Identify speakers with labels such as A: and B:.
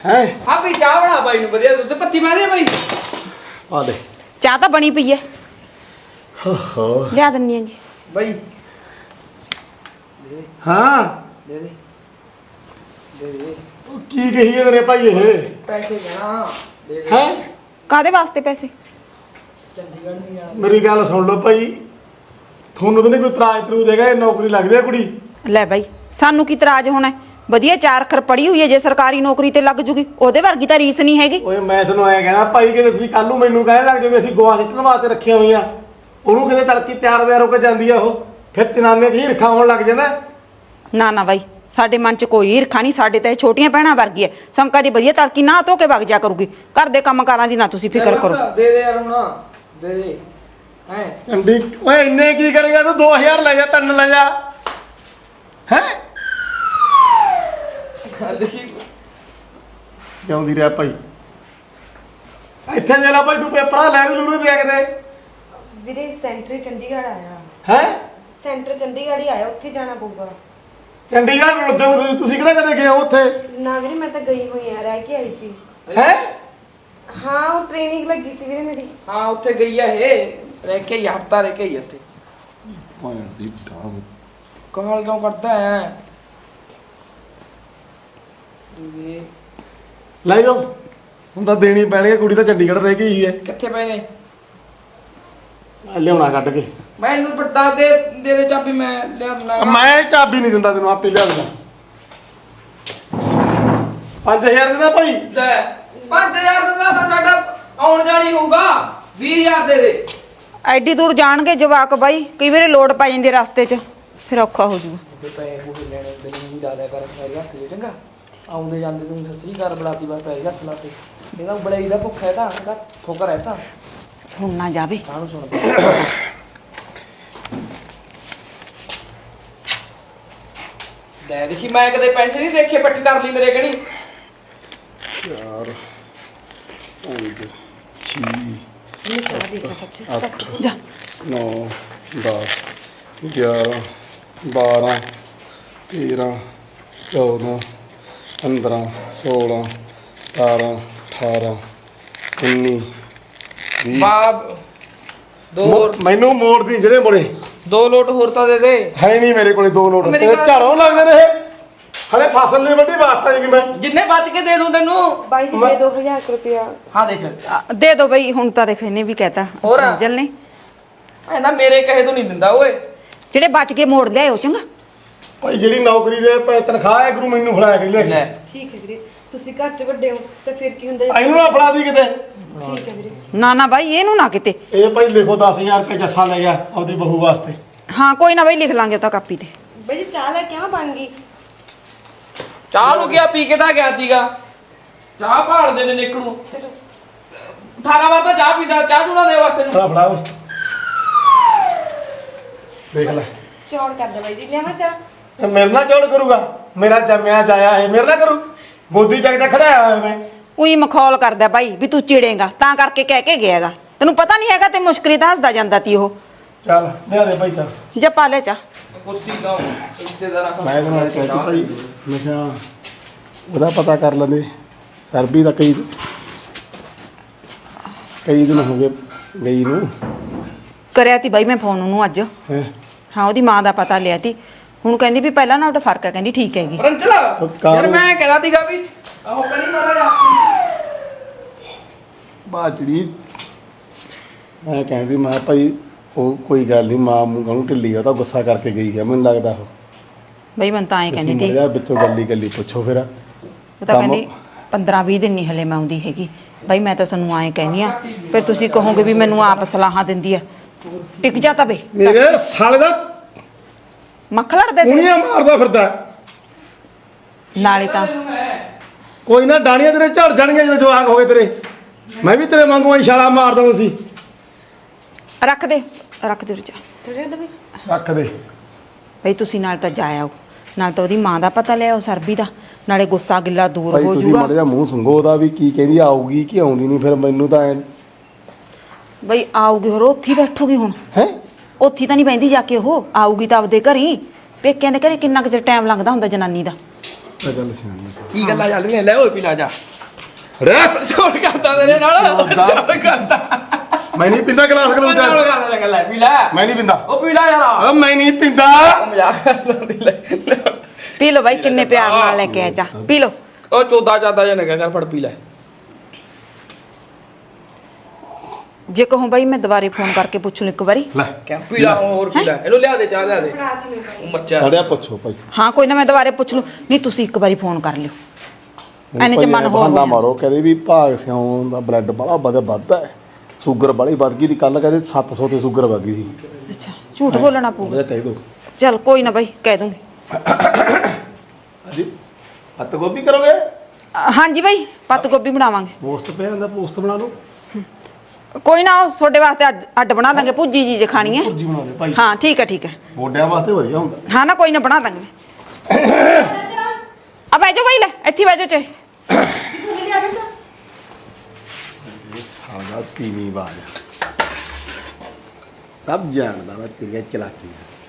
A: ਹੈ
B: ਹਾਂ ਵੀ ਚਾਹ ਬਣਾ ਬਾਈ ਨੂੰ ਵਧੀਆ ਦੁੱਧ ਪੱਤੀ ਮਾਰੇ ਬਾਈ
A: ਆ ਦੇ
C: ਚਾਹ ਤਾਂ ਬਣੀ ਪਈ ਐ
A: ਹੋ
C: ਲਿਆ ਦਿੰਨੀ ਆਂਗੀ
B: ਬਾਈ
A: ਹਾਂ
B: ਦੇ ਦੇ ਦੇ ਦੇ
A: ਉਹ ਕੀ ਕਹੀ ਹੈ ਮੇਰੇ ਭਾਈ ਇਹ
B: ਪੈਸੇ ਜਾਣਾ ਦੇ ਦੇ
A: ਹੈ
C: ਕਾਦੇ ਵਾਸਤੇ ਪੈਸੇ
B: ਚੰਡੀਗੜ੍ਹ ਨਹੀਂ ਜਾਣਾ
A: ਮੇਰੀ ਗੱਲ ਸੁਣ ਲਓ ਭਾਈ ਤੁਹਾਨੂੰ ਤਾਂ ਨਹੀਂ ਕੋਈ ਤਰਾਜ ਤਰੂ ਦੇਗਾ ਇਹ ਨੌਕਰੀ ਲੱਗਦੀ ਹੈ ਕੁੜੀ
C: ਲੈ ਬਾਈ ਸਾਨੂੰ ਕੀ ਇਤਰਾਜ਼ ਹੋਣਾ ਹੈ? ਵਧੀਆ 4 ਅੱਖਰ ਪੜ੍ਹੀ ਹੋਈ ਹੈ ਜੇ ਸਰਕਾਰੀ ਨੌਕਰੀ ਤੇ ਲੱਗ ਜੂਗੀ ਉਹਦੇ ਵਰਗੀ ਤਾਂ ਰੀਸ ਨਹੀਂ ਹੈਗੀ
A: ਓਏ ਮੈਂ ਤੁਹਾਨੂੰ ਐਂ ਕਹਿਣਾ ਭਾਈ ਕਿ ਤੁਸੀਂ ਕੱਲ ਨੂੰ ਮੈਨੂੰ ਕਹਿਣ ਲੱਗ ਜਾਵੇ ਅਸੀਂ ਗੋਆ ਸਿੱਟਣ ਵਾਸਤੇ ਰੱਖੀਆਂ ਹੋਈਆਂ ਉਹਨੂੰ ਕਿਤੇ ਤੜਕੀ ਤਿਆਰ ਵਿਆਰ ਹੋ ਕੇ ਜਾਂਦੀ ਆ ਉਹ ਫਿਰ ਚਨਾਨੇ ਦੀ ਹਿਰਖਾ ਹੋਣ ਲੱਗ ਜਾਂਦਾ
C: ਨਾ ਨਾ ਬਾਈ ਸਾਡੇ ਮਨ 'ਚ ਕੋਈ ਈਰਖਾ ਨਹੀਂ ਸਾਡੇ ਤਾਂ ਇਹ ਛੋਟੀਆਂ ਭੈਣਾਂ ਵਰਗੀ ਹੈ ਸਮਕਾ ਦੀ ਵਧੀਆ ਤੜਕੀ ਨਾ ਧੋ ਕੇ ਵਗ ਜਾ ਕਰੂਗੀ ਘਰ ਦੇ ਕੰਮਕਾਰਾਂ ਦੀ ਨਾ ਤੁਸੀਂ ਫਿਕਰ ਕਰੋ
B: ਦੇ ਦੇ ਯਾਰ ਹੁਣ ਦੇ ਦੇ ਹੈ
A: ਚੰਡੀ ਓਏ ਇੰਨੇ ਕੀ ਕਰੇਗਾ ਤੂੰ 2000 ਲੈ ਜਾ 3 ਲੈ ਜਾ ਹੈ
B: ਦੇਖੀ
A: ਜਾਉਂਦੀ ਰਿਹਾ ਭਾਈ ਇੱਥੇ ਜੇ ਲਾ ਭਾਈ ਤੂੰ ਪੇਪਰਾਂ ਲੈ ਲੂਰੇ ਦੇ ਕਿਤੇ
D: ਵੀਰੇ ਸੈਂਟਰ ਚੰਡੀਗੜ੍ਹ ਆਇਆ
A: ਹੈ
D: ਸੈਂਟਰ ਚੰਡੀਗੜ੍ਹ ਹੀ ਆਇਆ ਉੱਥੇ ਜਾਣਾ ਪਊਗਾ
A: ਚੰਡੀਗੜ੍ਹ ਨੂੰ ਤੁਸੀਂ ਕਿਹੜਾ ਕਦੇ ਗਏ ਹੋ ਉੱਥੇ
D: ਨਾ ਵੀਰੇ ਮੈਂ ਤਾਂ ਗਈ ਹੋਈ ਆ ਰਹਿ ਕੇ ਆਈ ਸੀ
A: ਹੈ
D: ਹਾਂ ਉਹ ਟ੍ਰੇਨਿੰਗ ਲੱਗੀ ਸੀ ਵੀਰੇ ਮੇਰੀ
B: ਹਾਂ ਉੱਥੇ ਗਈ ਆ ਇਹ ਰਹਿ ਕੇ ਹੀ ਹਫਤਾ ਰਹਿ ਕੇ ਹੀ ਉੱਥੇ
A: ਭਾਣ ਦੀ ਟਾਂਗ
B: ਕਮਾਲ ਕਿਉਂ ਕਰਦਾ ਹੈ ਇਹ
A: ਲੈ ਜਾਓ ਹੁਣ ਤਾਂ ਦੇਣੀ ਪੈਣੀ ਹੈ ਕੁੜੀ ਤਾਂ ਚੰਡੀਗੜ੍ਹ ਰਹਿ ਗਈ ਹੈ
B: ਕਿੱਥੇ ਪਏ ਨੇ
A: ਲਿਆਉਣਾ ਕੱਢ ਕੇ
B: ਮੈਨੂੰ ਪੱਟਾ ਦੇ ਦੇ ਚਾਬੀ ਮੈਂ ਲਿਆ ਦਿੰਦਾ
A: ਮੈਂ ਚਾਬੀ ਨਹੀਂ ਦਿੰਦਾ ਤੈਨੂੰ ਆਪੇ ਲਿਆ ਦਿੰਦਾ 5000 ਦੇਦਾ ਭਾਈ
B: ਲੈ 5000 ਦਾ ਤਾਂ ਸਾਡਾ ਆਉਣ ਜਾਣੀ ਹੋਊਗਾ 20000 ਦੇ ਦੇ
C: ਐਡੀ ਦੂਰ ਜਾਣਗੇ ਜਵਾਕ ਬਾਈ ਕਈ ਵਾਰੀ ਲੋੜ ਪੈ ਜਾਂਦੀ ਰਸਤੇ 'ਚ ਫਿਰ ਔਖਾ ਹੋ ਜੂਗਾ
B: ਪੈਸੇ ਪੂਸੇ ਲੈਣੇ ਤੈਨੂੰ ਵੀ ਡਾਲਿਆ ਕਰ ਪੈਰੀ ਹੱਥ ਦੇ ਚੰਗਾ ਆਉਂਦੇ ਜਾਂਦੇ ਤੂੰ ਸੱਚੀ ਘਰ ਬੜਾਤੀ ਬਾਰ ਪੈਰੀ ਹੱਥ ਲਾ ਕੇ ਇਹਦਾ ਬੜਾਈ ਦਾ ਭੁੱਖ ਹੈ ਤਾਂ ਇਹਦਾ ਠੋਕਰ ਹੈ ਤਾਂ
C: ਸੁਣ ਨਾ ਜਾਵੇ
B: ਕਾਹਨੂੰ ਸੁਣ ਲੈ ਦੇਖੀ ਮੈਂ ਕਦੇ ਪੈਸੇ ਨਹੀਂ ਦੇਖੇ ਪੱਟੀ ਕਰ ਲਈ ਮੇਰੇ ਕਣੀ
A: 4 5 6
D: ਮੈਂ ਸਾਰਾ ਦੇਖਾ ਸੱਚ
A: 8
C: ਜਾ
A: 9 10 11 12 13 14 15 16 17 18 19 20
B: ਬਾਬ ਦੋ
A: ਮੈਨੂੰ ਮੋੜ ਦੀ ਜਿਹੜੇ ਮੁੜੇ
B: ਦੋ ਲੋਟ ਹੋਰ ਤਾਂ ਦੇ ਦੇ
A: ਹੈ ਨਹੀਂ ਮੇਰੇ ਕੋਲੇ 2 ਨੋਟ
B: ਮੇਰੀ
A: ਤੇ
B: ਗੱਲ-
A: ਝਾੜੋਂ ਲੱਗਦੇ ਨੇ ਇਹ ਹਲੇ ਫਸਲ ਨਹੀਂ ਵੱਢੀ ਵਾਸਤਾ ਨਹੀਂ ਕਿ ਮੈਂ
B: ਜਿੰਨੇ ਬਚ ਕੇ ਦੇ ਦੂੰ ਤੈਨੂੰ
D: ਬਾਈ ਜੀ ਦੇ 2000 ਰੁਪਇਆ
B: ਹਾਂ ਦੇਖ
C: ਦੇ ਦੋ ਬਈ ਹੁਣ ਤਾਂ ਦੇਖ ਇਹਨੇ ਵੀ ਕਹਿਤਾ
B: ਹੋਰ?
C: ਅੰਜਲ ਨੇ
B: ਐਨਾ ਮੇਰੇ ਕਹੇ ਤੋਂ ਨਹੀਂ ਦਿੰਦਾ ਓਏ
C: ਜਿਹੜੇ ਬਚ ਕੇ ਮੋੜ ਲਿਆਓ ਚੰਗਾ
A: ਭਾਈ ਜਿਹੜੀ ਨੌਕਰੀ ਦੇ ਤਨਖਾਹ ਹੈ ਗੁਰੂ ਮੈਨੂੰ ਫੜਾਇਆ ਕਰੀ ਲੈ
B: ਲੈ
D: ਠੀਕ ਹੈ ਵੀਰੇ ਤੁਸੀਂ ਘਰ 'ਚ ਵੱਡੇ ਹੋ ਤਾਂ ਫਿਰ ਕੀ ਹੁੰਦਾ
A: ਇਹਨੂੰ ਨਾ ਫੜਾ ਦੀ ਕਿਤੇ
D: ਠੀਕ ਹੈ ਵੀਰੇ
C: ਨਾ ਨਾ ਬਾਈ ਇਹਨੂੰ ਨਾ ਕਿਤੇ
A: ਇਹ ਭਾਈ ਲਿਖੋ 10000 ਰੁਪਏ ਜੱਸਾ ਲੈ ਗਿਆ ਆਪਦੀ ਬਹੂ ਵਾਸਤੇ
C: ਹਾਂ ਕੋਈ ਨਾ ਬਾਈ ਲਿਖ ਲਾਂਗੇ ਉਹ ਤਾਂ ਕਾਪੀ ਤੇ
D: ਬਾਈ ਜੀ ਚਾਹ ਲੈ ਕੇ ਆਵਾਂ ਬਣ ਗਈ
B: ਚਾਹ ਨੂੰ ਗਿਆ ਪੀ ਕੇ ਤਾਂ ਗਿਆ ਸੀਗਾ ਚਾਹ ਭਾਲਦੇ ਨੇ ਨਿੱਕ ਨੂੰ
D: ਚਲੋ
B: 18 ਵਾਰ ਤਾਂ ਚਾਹ ਪੀਂਦਾ ਚਾਹ ਚੂੜਾ ਦੇ ਵਾਸਤੇ ਨੂੰ
A: ਫੜਾ ਓਏ ਦੇਖ ਲੈ
D: ਚੌੜ ਕਰ ਦੇ ਬਾਈ ਜੀ ਲਿਆਵਾਂ ਚਾਹ
A: ਇਹ ਮੇਰੇ ਨਾਲ ਚੌੜ ਕਰੂਗਾ ਮੇਰਾ ਜੰਮਿਆ ਜਾਇਆ ਇਹ ਮੇਰੇ ਨਾਲ ਕਰੂ ਗੋਦੀ ਚੱਕ ਤੇ ਖੜਾਇਆ ਹੋਇਆ ਮੈਂ
C: ਉਹੀ ਮਖੌਲ ਕਰਦਾ ਬਾਈ ਵੀ ਤੂੰ ਚਿੜੇਗਾ ਤਾਂ ਕਰਕੇ ਕਹਿ ਕੇ ਗਿਆਗਾ ਤੈਨੂੰ ਪਤਾ ਨਹੀਂ ਹੈਗਾ ਤੇ ਮੁਸ਼ਕਰੀ ਤਾਂ ਹੱਸਦਾ ਜਾਂਦਾ ਤੀ ਉਹ
A: ਚੱਲ ਲਿਆ ਦੇ ਭਾਈ ਚੱਲ
C: ਜਾ ਪਾ ਲੈ ਚਾ
B: ਕੁਰਸੀ ਲਾਓ ਇੱਥੇ ਦਾ ਰੱਖ
A: ਮੈਂ ਤੈਨੂੰ ਇਹ ਕਹਿ ਭਾਈ ਮੈਂ ਕਿਹਾ ਉਹਦਾ ਪਤਾ ਕਰ ਲੈਂਦੇ ਸਰਬੀ ਦਾ ਕਈ ਦਿਨ ਹੋ ਗਏ ਗਈ ਨੂੰ
C: ਕਰਿਆ ਤੀ ਬਾਈ ਮੈਂ ਫੋਨ ਉਹਨੂੰ ਅੱਜ
A: ਹੈ
C: ਹਾਂ ਉਹਦੀ ਮਾਂ ਦਾ ਪਤਾ ਲਿਆ ਤੀ ਹੁਣ ਕਹਿੰਦੀ ਵੀ ਪਹਿਲਾਂ ਨਾਲ ਤਾਂ ਫਰਕ ਹੈ ਕਹਿੰਦੀ ਠੀਕ ਹੈਗੀ
B: ਰੰਜਲਾ ਯਾਰ ਮੈਂ ਕਹਿੰਦਾ ਸੀਗਾ ਵੀ ਆਹੋ ਕਰੀ ਮਾਰਾ ਜਾ
A: ਬਾਜੜੀ ਮੈਂ ਕਹਿੰਦੀ ਮੈਂ ਭਾਈ ਉਹ ਕੋਈ ਗੱਲ ਨਹੀਂ ਮਾਂ ਮੂੰਹ ਨੂੰ ਢਿੱਲੀ ਆ ਉਹ ਤਾਂ ਗੁੱਸਾ ਕਰਕੇ ਗਈ ਆ ਮੈਨੂੰ ਲੱਗਦਾ ਉਹ
C: ਬਈ ਮੈਂ ਤਾਂ ਐਂ ਕਹਿੰਦੀ ਤੀ
A: ਮਰਿਆ ਵਿੱਚੋਂ ਗੱਲੀ ਪੁੱਛੋ ਫਿਰ
C: ਉਹ ਤਾਂ ਕਹਿੰਦੀ 15-20 ਦਿਨ ਨਹੀਂ ਹਲੇ ਮੈਂ ਆਉਂਦੀ ਹੈਗੀ ਬਾਈ ਮੈਂ ਤਾਂ ਸਾਨੂੰ ਐਂ ਕਹਿੰਦੀ ਆ ਫਿਰ ਤੁਸੀਂ ਕਹੋਗੇ ਵੀ ਮੈਨੂੰ ਆਪ ਸਲਾਹਾਂ ਦਿੰਦੀ ਆ ਟਿਕ ਜਾ ਤਾਂ ਬੇ
A: ਮੇਰੇ ਸਾਲੇ ਦਾ
C: ਮੱਖ ਲੜਦੇ ਤੇ
A: ਕੁਣੀਆਂ ਮਾਰਦਾ ਫਿਰਦਾ
C: ਨਾਲੇ ਤਾਂ
A: ਕੋਈ ਨਾ ਡਾਣੀਆਂ ਤੇਰੇ ਝੜ ਜਾਣਗੀਆਂ ਜਦੋਂ ਜਵਾਕ ਹੋ ਗਏ ਤੇਰੇ ਮੈਂ ਵੀ ਤੇਰੇ ਵਾਂਗੂ ਇਸ਼ਾਰਾ ਮਾਰ ਦਵਾਂ ਸੀ
C: ਰੱਖ ਦੇ ਰਜਾ
D: ਥੋੜੇ ਦੇ ਬਾਈ
A: ਰੱਖ ਦੇ
C: ਬਈ ਤੁਸੀਂ ਨਾਲ ਤਾਂ ਜਾ ਆਓ ਨਾਲ ਤਾਂ ਉਹਦੀ ਮਾਂ ਦਾ ਪਤਾ ਲਿਆਓ ਸਰਬੀ ਦਾ ਨਾਲੇ ਗੁੱਸਾ ਗਿੱਲਾ ਦੂਰ
A: ਭਾਈ
C: ਹੋ
A: ਤੁਸੀਂ
C: ਜਾਊਗਾ
A: ਮਾੜਾ ਜਿਹਾ ਮੂੰਹ ਸੰਗੋ ਉਹਦਾ ਵੀ ਕੀ ਕਹਿੰਦੀ ਆਊਗੀ ਕਿ ਆਉਂਦੀ ਨਹੀਂ ਫਿਰ ਮੈਨੂੰ ਤਾਂ ਐ
C: ਬਈ ਆਊਗੀ ਹੋਰ ਉੱਥੇ ਹੀ ਬੈਠੂਗੀ ਹੁਣ
A: ਹੈ
C: ਉੱਥੇ ਤਾਂ ਨਹੀਂ ਬੈਂਦੀ ਜਾ ਕੇ ਉਹ ਆਊਗੀ ਤਾਂ ਆਪਦੇ ਘਰ ਹੀ ਪੇਕਿਆਂ ਦੇ ਘਰੇ ਕਿੰਨਾ ਕੁ ਚਿਰ ਟਾਈਮ ਲੰਘਦਾ ਹੁੰਦਾ ਜਨਾਨੀ ਦਾ
A: ਇਹ ਗੱਲ ਸਿਆਣੀ ਹੈ
B: ਕੀ ਗੱਲਾਂ ਚੱਲ ਰਹੀਆਂ ਲੈ ਓਏ ਪੀ ਲਾ ਜਾ
A: ਰੇ
B: ਛੋੜ ਕਰਦਾ ਤੇਰੇ ਨਾਲ
A: ਛੋੜਦਾ।
B: ਛੋੜ ਕਰਦਾ
A: ਮੈਂ ਨਹੀਂ ਪਿੰਦਾ ਗਲਾਸ ਗਲੂਸ
B: ਛੋੜ ਕਰਦਾ ਲੈ ਲੈ ਪੀ ਲੈ
A: ਮੈਂ ਨਹੀਂ ਪਿੰਦਾ
B: ਉਹ ਪੀ ਲੈ ਯਾਰ
A: ਓ ਮੈਂ ਨਹੀਂ ਪਿੰਦਾ
B: ਉਹ ਮਜ਼ਾਕ ਕਰਦਾ ਦੀ ਲੈ
C: ਪੀ ਲਓ ਬਾਈ ਕਿੰਨੇ ਪਿਆਰ ਨਾਲ ਲੈ ਕੇ ਆਇਆ ਚਾਹ ਪੀ ਲਓ
B: ਉਹ ਚੋਦਾ ਚਾਦਾ ਜਾਂ ਨਗਾ ਕਰ ਫੜ ਪੀ ਲੈ
C: ਜੇ ਕਹੋ ਬਾਈ ਮੈਂ ਦੁਬਾਰੇ ਫੋਨ ਕਰਕੇ ਪੁੱਛ ਲੂ ਇੱਕ ਵਾਰੀ
A: ਲੈ
B: ਕਿਆ ਪੀ ਲੈ ਹੋਰ ਪੀ ਲੈ ਇਹਨੂੰ ਲਿਆ ਦੇ ਚਾਹ ਲਿਆ ਦੇ
D: ਫੜਾ ਤੀ ਮੈਂ ਭਾਈ
B: ਉਹ ਮੱਚਾ
A: ਅੜਿਆ ਪੁੱਛੋ ਭਾਈ
C: ਹਾਂ ਕੋਈ ਨਾ ਮੈਂ ਦੁਬਾਰੇ ਪੁੱਛ ਲੂ ਨਹੀਂ ਤੁਸੀਂ ਇੱਕ ਵਾਰੀ ਫੋਨ ਕਰ ਲਿਓ ਐਨੇ ਚ ਮਨ ਹੋਰ
A: ਬਹਾਨਾ
C: ਹੋ ਜਾਂਦਾ।
A: ਮਾਰੋ ਕਹਿੰਦੇ ਵੀ ਭਾਗ ਸਿਉਂ ਦਾ ਬਲੱਡ ਬੜਾ ਵੱਧਦਾ ਹੈ ਸ਼ੂਗਰ ਬੜੀ ਵੱਧ ਗਈ ਦੀ ਕੱਲ ਕਹਿੰਦੇ 700 ਤੇ ਸ਼ੂਗਰ ਵੱਧ ਗਈ ਸੀ
C: ਅੱਛਾ ਝੂਠ ਬੋਲਣਾ ਪਊਗਾ
A: ਉਹਦਾ ਕਹਿ ਦੋ
C: ਚਲ ਕੋਈ ਨਾ ਬਾਈ ਕਹਿ ਦੂੰਗੀ
A: ਹਾਂਜੀ ਹੱਤ ਗੋਭੀ ਕਰੋਗੇ
C: ਹਾਂਜੀ ਬਾਈ ਪੱਤ ਗੋਭੀ ਬਣਾਵਾਂਗੇ
A: ਪੋਸਟ ਪਿਆ ਹੁੰਦਾ ਪੋਸਟ ਬਣਾ ਲਓ
C: ਕੋਈ ਨਾ ਉਹ ਤੁਹਾਡੇ ਵਾਸਤੇ ਅੱਡ ਬਣਾ ਦਾਂਗੇ ਭੁੱਜੀ ਜੀ ਜੇ ਖਾਣੀ ਹੈ
A: ਭੁਰਜੀ ਬਣਾ ਦੇ ਭਾਈ
C: ਹਾਂ ਠੀਕ ਹੈ
A: ਮੋਢਿਆਂ ਵਾਸਤੇ ਵਧੀਆ ਹੁੰਦਾ
C: ਹਾਂ ਨਾ ਕੋਈ ਨਾ ਬਣਾ ਦਾਂਗੇ ਆ ਬਹਿ ਜਾਓ ਬਾਈ ਲੈ ਇੱਥੇ ਬਹਿ ਜਾਓ ਚਾਹੇ
D: ਲਿਆ ਦੇ ਤਾਂ
A: ਇਹ ਸਾਡਾ ਤੀਵੀਂ ਬਾਜ ਸਭ ਜਾਣਦਾ ਵਾ ਤੇਰੀਆਂ ਚਲਾਕੀਆਂ